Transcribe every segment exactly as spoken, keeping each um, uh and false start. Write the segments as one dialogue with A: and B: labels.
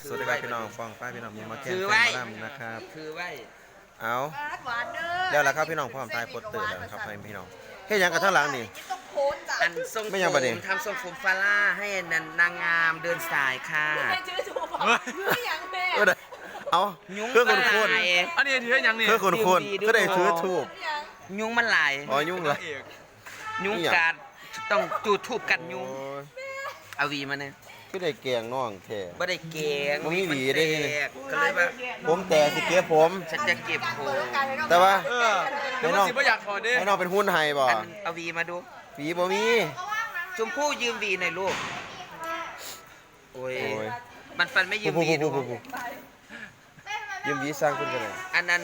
A: สวัสดีครับพี่น้องฟ้องป้าพี่น้องมีมาแข่ง
B: คือ
A: แฟ
B: ไว้
A: นมาดำนะครับ
B: คือไว้
A: เอา
C: หวานเด้อ
A: แล้วล่ะครับพี่น้องพร้อมตายปดตื่นแล้วนะครับให้พี่น้องเฮ้ยยังกันทั้งหลังนี่
C: ต้องโพสจ้ะ
B: อันทรง
A: ไม่ยังประเด็น
B: ผมทำทรงผมฟาร่าให้นันนางงามเดินสายค่ะ
C: ไม่ชื่อถูกไม่ยังแม่
A: เออได้เอา
B: ยุง
A: เพื่อคนคน
B: หลาย
D: อันนี้ถือยังนี่
A: เพื่อคนคน
B: ดีๆด้วย
A: ก็ได้ถือทูบ
C: ยัง
B: ยุงมันหลาย
A: อ๋อยุ่งเหรอ
D: เอก
B: ยุง
A: นี่หยัง
B: กัดต้องจูดทูบกันยุง
A: โอ้ย
B: เอาวีมาเนี่ย
A: ก็ได้แกงน้องแท้
B: ไม่ได้เก่ง
A: บ่มีหวีได้นี่
B: แตกก็เลยว่า
A: ผมแต่สิเก็บผม
B: ฉันจะเก็บผม
A: แต่ว่า
D: เออเดี๋ยวมันสิบ่อยากถอดดิ
A: ให้น้องเป็นหุ้นไฮบ่
B: อันเอาวีมาดู
A: ผีบ่มี
B: ชมพู่ยืมวีหน่อยลูกโอ้ย
A: โอ้ย
B: มันฟันไม่ยืม
A: ผู้
B: วี
A: ผู้
B: ดู
A: ผู้ผู้ยืมวีสร้างขึ้นกันเลย
B: อันนั้น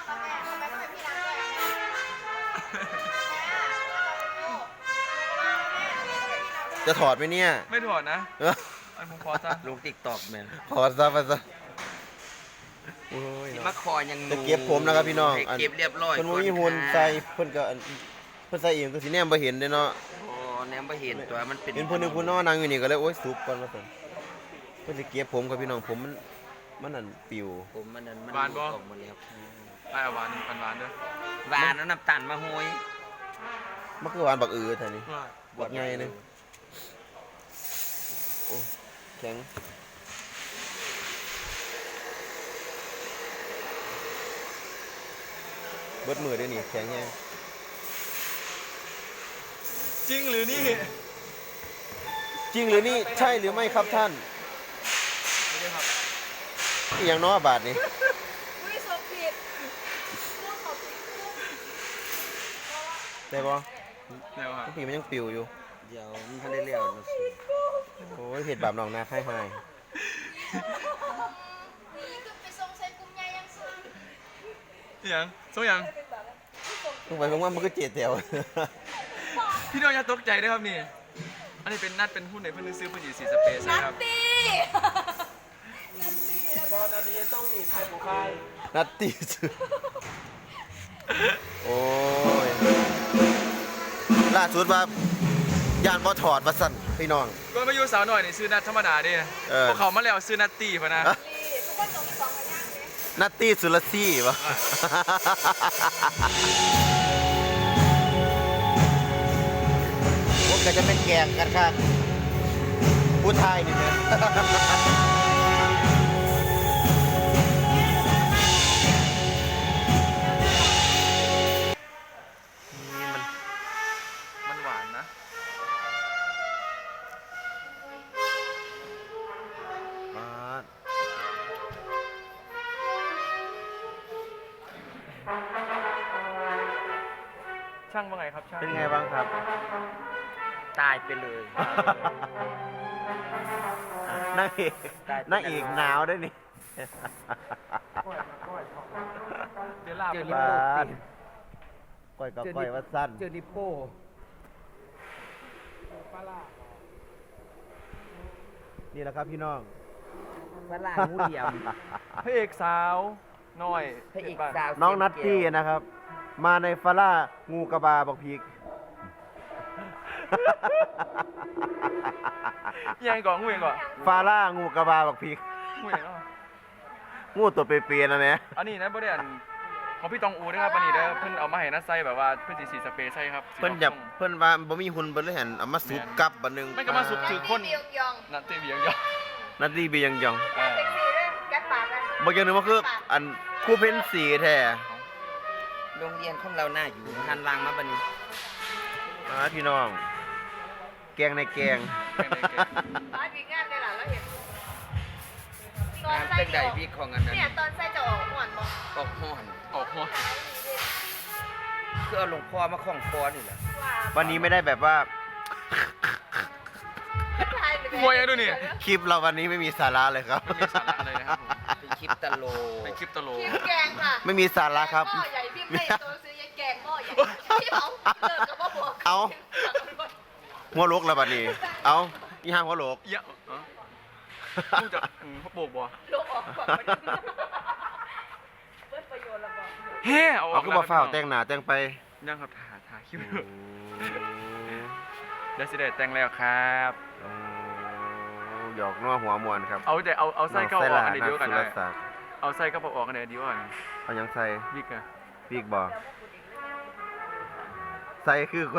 A: จะถอดไหมเนี่ย
D: ไม่ถอดนะ
A: เออ
D: อันผมขอซะ
B: ลงติ๊กตอกแมน
A: ถอดซะไปซะโอ้ย
B: มาคอยัง
A: จะเก็บผมนะครับพี่น้อง
B: ให้เก็บเรียบร้อย
A: เพิ่นบ่มีหุ่นใส่เพิ่นก็อันเพิ่นใส่เองก็สิแนมบ่เห็นเด้เนาะ
B: โอ้แนมบ่เห็นตัวมันเป็น
A: เห็นผู้หนึงผู้น้อนั่งอยู่นี่ก็เลยโอ๊ยสุบก่อนว่าซั่นเพิ่นสิเก็บผมครับพี่น้องผมมันมันนั่นปิว
B: ผมมันนั้นมัน
D: หวานบ่
B: ออกหมดแล้ว
D: ไอ้หวานหวานหวานเด้อ
B: หวานแล้วน้ำตาลมาโหย
A: มันคือหวานบักอือแท้นี่
D: ว่า
A: บักใหญ่นึงโอ้แข็งเบิดมือเด้นี่แข็งแฮง
D: จริงหรือนี่
A: จริงหรือนี่ใช่หรือไม่ครับท่าน
D: ไม่ได้ครับ
A: อหย่างน้อบาทนี่
C: อุ้ยสมผิดพูดขอบผิด
A: ได้บ่
D: เดี๋ยวครับ
A: พี่มันยังปิวอยู่
B: เดี๋ยวมันทันได้เลี้ยวนะสิ
A: โอ้ยเผ็ดบาปหนองนาค่ายหาย
C: นี่คือไปทรงใช้กุ้งใหญ่ยังซึ่ง
D: ยังส่งยัง
A: ลงไปเพราะว่ามันก็เจ็ดแถว
D: พี่น้องอย่าตกใจด้วยครับนี่ อันนี้เป็นนัดเป็นหุ้นในเพื่อนซื้อเพื่อนสีสีสเปซ
C: นั
D: นะ
C: ต
D: ครับ
C: ตี้
B: ตอนนี้ต้องมีไทยบุคาย
A: นัดตีสุดโอ้ยล่าสุดว่าย่านบ่ถอดว่าสั่นพี่น้อง
D: ก็มาอยู่สาวหน่อยนี่ซื้อนัดธรรมดาดิ
A: เออ
D: พวกเขามาแล้วซื้อนัดตีพะนะ
A: อะ
C: ทุกคนจบสองพยางค์เลย
A: นัดตีสุรซี่วะพวกก็จะเป็นแกงกันครับผู้ไทยนี่เนี่ย
D: นี่มันมันหวานนะ
A: มา
D: ช่างว่าไงครับช่าง
A: เป็นไงบ้างครับ
B: ตายไปเลย
A: นางเอกนางเอกหนาวด้วยนี่
D: เดี๋ยวลา
B: เจ
D: ไป
B: อ
D: เล
B: ลิ
D: ย
B: ป
A: บ้า
B: โป้
A: นก้อยกับก้อยว่าสั้น
B: เจอลิปโป้
A: นี่แหละครับพี่น้อง
B: ฝรั่งงูเหลี่ยม
D: พระเอกสาวน้อย
B: พระเอก
D: บ้าน
B: สาว
A: น้องนัตตี้นะครับ มาในฟาร่างูกระบาบอกพีก
D: ยังก่อนงูยังก่อน
A: ฟาร่างูกระบาบอกพีก
D: งูยังก่อน
A: งูตัวเปรียๆนะแม่
D: อันนี้นะบริเวณของพี่ตองอูนะครับอันนี้เด้อเพิ่นเอามาให้นัดไส้แบบว่าเพิ่นสีสีสเปรย์ใช่ครับ
A: เพิ่นอยากเพิ่นว่าบ่มีหุ่นเพิ่นเลยหันเอามาสุบกับบัดหนึง
D: ไม่ก็มาสุบถือคน
C: เบียงยอง
D: นัดเตะเบียงยอง
A: นัตตี้บียังยอง
D: อ่า
C: เซ็กซี่ด้วยแก๊ปปากกัน
A: บ่อย่างหนึงว่าคืออันคู่เพ้นสีแท้
B: โรงเรียนของเราหน้าอยู่หันหลังมาบัดนี้
A: มาพี่น้อง แกงในแกง
C: ร้านมีงานได้หรอแล้วเห็นตอน
B: งาน
C: ใส่
B: เต้นใด
C: จะออก
B: วิกของอันนั้น
C: เนี่ยตอนใส่จะออกหวานบอก
B: ออกห้อน
D: ออกหัว
B: คือเอาหลวงพ่อมาคล้องคอนี่แหละ
A: วันนี้ไม่ได้แบบว่า
D: มวยยังดูนี่
A: คลิปเราวันนี้ไม่มีสาระเลยครับ
D: ไม่มีสาระอะไรนะครับผม
B: เป็นคลิปตลก
D: เป็นคลิปตลก
C: คิมแกงค่ะ
A: ไม่มีสาระครับ
C: หม้อใหญ่พี่ไม่ตัวซื้อยายแกงหม้อใหญ่พี่เอาเลิกกับพ่อผัว
A: เอา หัวโลกแล้วบัดนี้ เอาอีห้างหัวโลก
D: เยอะเออต้องจะอืมเขาโบกบ่
C: โลกออกก่อนมันเปิดประโยชน์แล้วบอก
D: เฮ้เอาอ
A: เอา
D: อก
A: คือบ่ฟ้าวแต่งหน้าแต่งไป
D: ยังครับถ่ายถ่ายคลิปเดี๋ยวสิได้แต่งแล้วครับ
A: โอ้หยอกนัวหัวมวนครับ
D: เอาแต่เอาเอาไส้เข้าออกอันเดียวกัน
A: เล
D: เลย ยเอาไส้เข้าออกอันเดียวกัน
A: เอายังใส่
D: วิกอะ
A: ปีกบ่ใส่คือกว่า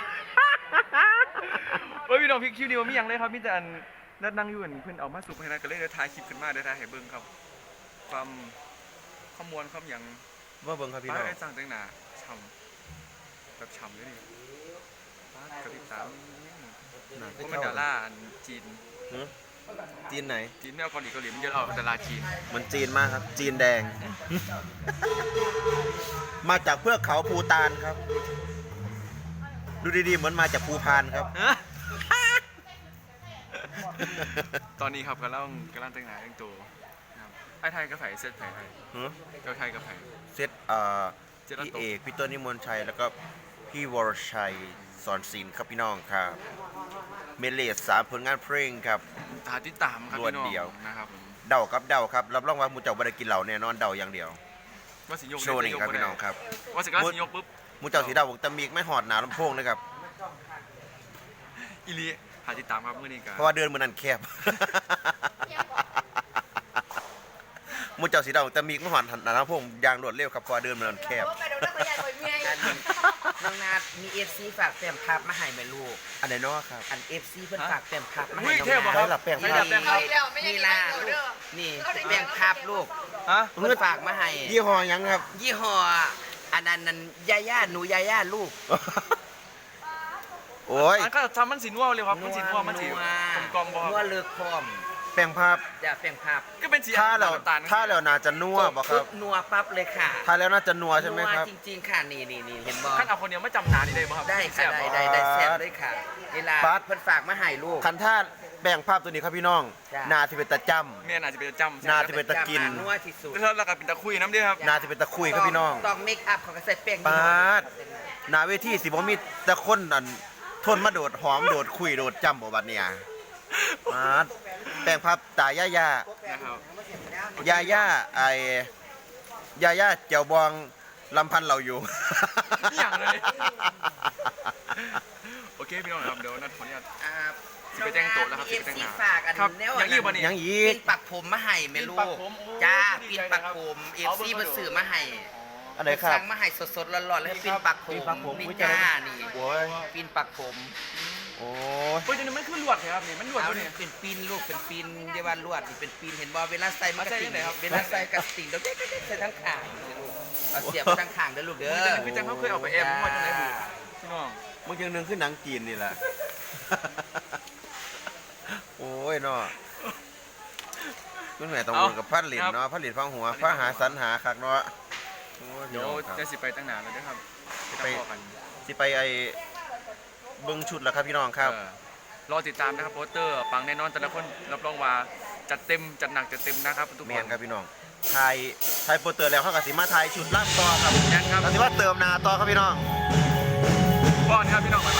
D: เฮ้ยพี่น้องพี่คิวเดียวมีอย่างเลยครับมีแต่อันนัดนั่งอยู่อันเพิ่นเอามาสุกให้นะก็เลยเดี๋ยวถ่ายคลิปขึ้นมาเดี๋ยวถ่ายให้เบิ่งครับ ความข้อมวลความหยัง
A: ว่าเบิ่งครับพี่
D: ป้า
A: น้อง
D: ได้สั่งแต่งหน้าฉ่ำแบบฉ่ำเลยนี่ป้ากระพริบตาเพราะมันดาราอันจีน
A: หือจีนไหน
D: จีนไม่เอาเกาหลีเกาหลีมันเยอะเอาดาราจีน
A: มันจีนมากครับ จีนแดง มาจากเพื่อกเขาภูตานครับ ดูดีๆเหมือนมาจากภูพานครับ
D: ตอนนี้ครับกำลังกำลังแต่งหน้าแต่งตัวนะครับไอ้ไทยกับไผ่เซตไผ่ไทย
A: หือ
D: เจ้าไทยกับไผ่
A: เซตเอ่อ
D: เจรัต
A: พี่
D: โต
A: เอกพี่ต้นนิมนต์ชัยแล้วก็พี่วรชัยสอนศิลป์ครับพี่น้องครับเมเลสสามผลงานเพลงครับ
D: หาติดตามครับ
A: รวด
D: พี่น้อง
A: เดียว
D: นะครับผม
A: เดาครับเดาครับรับรองว่าหมูเจ้าบ่ได้กินเหล่าแน่นอนเดาอย่างเดียว
D: ว่าสิยก
A: โชว์นี่ครับพี่น้องครับ
D: ว่าสิกล้าสิยกปุ๊บ
A: หมูเจ้าสีดาวบอกตะมีกไม่หอดหนาลำโพงเลยครับ
D: อีลีหาติดตามครับเมื่อนี้กัน
A: เพราะว่าเดินมือนั้นแคบ หมูเจ้าสีดาวบอกตะมีกไม่หอดหนาลำโพงยางรวดเร็วครับเพราะว่าเดินมือนั้นแคบ
C: ไปโดนนักพยานคนเมีย
B: อันน้องนาดมีเอฟซีฝากแป้งพับมาให้แม่ลูก
A: อันไหนเนาะครับ
B: อันเอฟซีเพิ่นฝากแป้งพับมา
D: อุ้
B: ให้
D: ย
B: น้อง
D: เทพบอก
B: นา
D: ครั
B: ด
A: ใช่หลับแป้ง
D: ใช่
A: ค
D: ห
A: รั
D: ลั
A: บ
D: บแป้งค
C: เอา
D: รับ
C: อีกแล้วไม่ยัง
B: นี่
C: กิน
B: ล่ะ
C: เหล้าเด้อ
B: นี่แป้งพับลูก
D: ฮะ
B: เพิ่นฝากมาให้
A: ยี่ห้อหยังครับ
B: ยี่ห้ออันนั้นนั่นยาย่าหนูยาย่าลูก
A: โอ้ย
D: อันก็ทำมันสีนัวเลยครับมันสีนัวมันสีกลมๆบ่ค
B: นัว
D: รับ
B: เลือกพร้อม
A: แป้งภาพ
B: อย่าแป้งพับ
D: ก็เป็นสี
A: ถ้าเรา
D: น้ำตาล
A: ถ้าเราน่าจะนัวบ่ครับ
B: ปุ๊นัวปั๊บเลยค่ะ
A: ถ้าแล้วน่าจะนัวใช่ไหมครับ
B: นัวจริงๆค่ะนี่นี่นี่เห็นบ่
D: ขั้นเอาคนเดียวไม่จำนานนี่ได้บ่ครับ
B: ได้ค่ะ
D: แซ่บ
B: ได้
D: บ่
B: ได้ได้แซ่บเลยค่ะเวลา
A: ปั๊ด
B: เพิ่นฝากมาให้ลูก
A: คันท่าแบ่งภาพตัวนี้ครับพี่น้อง
B: จ้ะ
A: นาที่เป็นตะจ
D: แม่น่าจะเป็นจำ
A: น่าจะเป็นตะกิน
B: นัวที่สุด
D: แล้วเราก็เป็นตะคุยน้ำด้วยครับ
A: ำนาที่เป็นตะคุยครับพี่น้อง
B: ต้องเมคอัพเขาก็ใส่แป้ง
A: ปาดหนาเวทีสิบ่มีแต่คนอันทนมาโดดหอมโดดคุยโดดจำบ่บัดเนี่ยปาดแบ่งภาพตาย่าย่า
D: นะครับ
A: ย่าย่าไอ้ย่าย่าเจียวบองลำพันเราอยู่
D: อย่างเลย โอเคพี่น้องครับเดี๋ยวนัดขออนุญาต
B: อ่า
D: สิไปแต่งตัวแล้วครับ
B: มี
D: สิไปแต่งหน้า
B: เอฟซีฝากอัน
D: ครับ
B: แนว
D: อย่างนี้บ่นี่
A: ยังอี
B: ปี
A: ก
B: นปักผมมาให้แม่ลู
D: ปีนปั
B: ก
D: กผมโอ้
B: จ้า
D: ดี
B: ปีน
D: ใจ
B: ปัก
D: นะครับ
B: ผมเอฟ
D: เอา
B: ซี
D: เบอร์
B: มาสื่อมาให้
A: อันไหนครับ
B: สั่งมาให้สดๆร้อนๆเลยปีนปักผม
A: ปีนปักผม
B: นี่
A: อุ๊ย
B: จ้า
A: จ้า
B: นี่
A: โอ้ย
B: ปีนปักผม
A: โอ้ย
D: เฮ้ยจนมันคือลวดครับนี่มันลวด
B: เอา
D: ด้วยนี่
B: เป็นปีนลูกเป็นปีนเยาวันลวดนี่เป็นปีนเห็นบ่เวลาใส่มันกระ
D: เอาใส่
B: ติ่ง
D: ที่ไหนครับ
B: เวลาใส่กระติ่งเดี๋ยวเด็กๆใส่ทั้งขางนี่ลูกเอาเสียบไปทั้งขางเด้อลูกเด้อ
D: คือจังเขาเคยเอาไปแอบมั่วจังไหนบุพี่น้อง
A: มึงยังนึงขึ้นหนังจีนนี่แหละ โอ้ยเนาะคุณแม่ต้องวนกับพัดหลินเนาะพัดหลินฟังหัวพระหาสรรหาคักเนาะโอ้ย
D: เดี๋ยว
A: น้องครับ
D: จะสิไปตั้งนานแล้วนะครับ
A: ไป
D: ตามพ่อกัน
A: สิไปไอ้เบิ้งชุดแล้วครับพี่น้องครับ
D: เออรอติดตามนะครับโปสเตอร์ปังแน่นอนแต่ละคนรับรองว่าจัดเต็มจัดหนักจัดเต็มนะครับทุก
A: แม
D: คน น
A: ครับพี่น้องไทยไทยโปรเตอร์แล้วเขากับสิมาไทยชุดล่ำต่อครับ
D: แน่นครับ
A: เขาสิมาเติมหนาต่อครับพี่น้อง
D: ป้อนครับพี่น้อง